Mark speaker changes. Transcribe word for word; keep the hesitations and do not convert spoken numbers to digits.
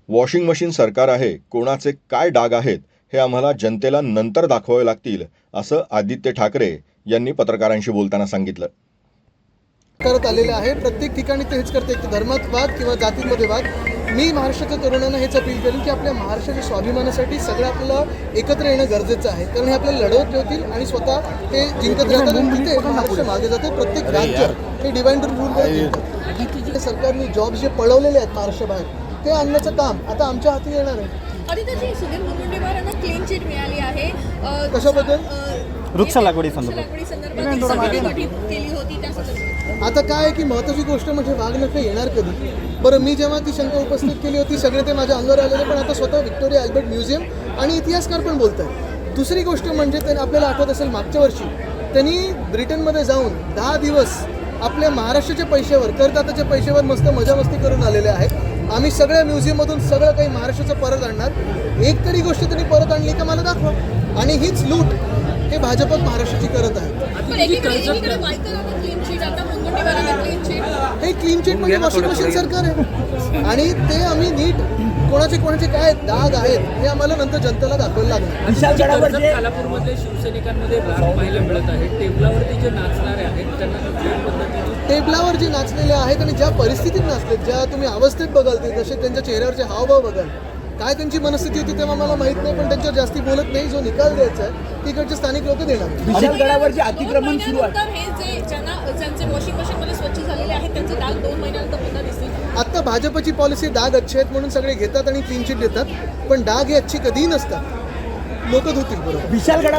Speaker 1: Washing machine सरकार आहे, कोणाचे काय डाग आहेत हे आम्हाला जनतेला नंतर दाखवावे लागतील, असं आदित्य ठाकरे यांनी पत्रकारांशी बोलताना सांगितलं.
Speaker 2: करत आलेले आहे. प्रत्येक ठिकाणी ते हेच करते, की धर्मात वाद किंवा जातींमध्ये वाद. मी महाराष्ट्राच्या तरुणांना हेच अपील करेन की आपल्या महाराष्ट्राच्या स्वाभिमानासाठी सगळं आपल्याला एकत्र येणं गरजेचं आहे. कारण हे आपल्याला लढवत ठेवतील आणि स्वतः ते जिंकत राहतात आणि तिथे महाराष्ट्र मागे जाते. प्रत्येक राज्य हे डिवाइड रूल सरकारने जॉब जे पळवलेले आहेत महाराष्ट्राबाहेर ते आणण्याचं काम आता आमच्या हाती येणार आहे.
Speaker 3: आदित्यजी, सुधीर मुनगंटीवार यांना क्लीन चिट मिळाली आहे.
Speaker 2: कशाबद्दल?
Speaker 4: वृक्ष लागवडी संदर्भात
Speaker 3: गठीत केली होती त्या संदर्भात.
Speaker 2: आता काय आहे की महत्त्वाची गोष्ट म्हणजे वाघनखं येणार कधी? बरं, मी जेव्हा ती शंका उपस्थित केली होती सगळे ते माझ्या अंगावर आलेले, पण आता स्वतः व्हिक्टोरिया अल्बर्ट म्युझियम आणि इतिहासकार पण बोलत आहेत. दुसरी गोष्ट म्हणजे त्यांनी आपल्याला आठवत असेल मागच्या वर्षी त्यांनी ब्रिटनमध्ये जाऊन दहा दिवस आपल्या महाराष्ट्राच्या पैशावर, करदात्याच्या पैशावर मस्त मजा मस्ती करून आलेले आहेत. आम्ही सगळ्या म्युझियममधून सगळं काही महाराष्ट्राचं परत आणणार. एक तरी गोष्ट त्यांनी परत आणली का मला दाखवा. आणि हीच लूट हे भाजपच महाराष्ट्राची करत आहे. हे क्लीन चिट म्हणजे वॉशिंग मशीन सरकार आहे आणि ते आम्ही नीट कोणाचे कोणाचे काय दाग आहेत हे आम्हाला नंतर जनतेला दाखवायला लागणार.
Speaker 5: कालापूरमध्ये शिवसैनिकांमध्ये राग पाहायला मिळत आहे. टेबलावरती जे नाचणारे आहेत त्यांना
Speaker 2: टेबलावर जे नाचलेले आहेत आणि ज्या परिस्थितीत नाचलेत, ज्या तुम्ही अवस्थेत बघाल ते जसे त्यांच्या चेहऱ्यावरचे हावभाव बघाल, काय त्यांची मनस्थिती होती तेव्हा मला माहित नाही, पण त्यांच्यावर जास्ती बोलत नाही. जो निकाल द्यायचा आहे तिकडचे स्थानिक लोक देणार.
Speaker 4: विशालगडावर जे अतिक्रमण सुरू आहे,
Speaker 3: हे जे ज्यांना ज्यांचे वॉशिंग मशीन मध्ये स्वच्छ झालेले आहेत त्यांचे डाग दोन महिन्यानंतर पुन्हा दिसतील.
Speaker 2: आता भाजपची पॉलिसी डाग अच्छे आहेत म्हणून सगळे घेतात आणि क्लीन चिट देतात, पण डाग हे अच्छी कधीही नसतात. लोक धुतील बरोबर.
Speaker 4: विशालगडा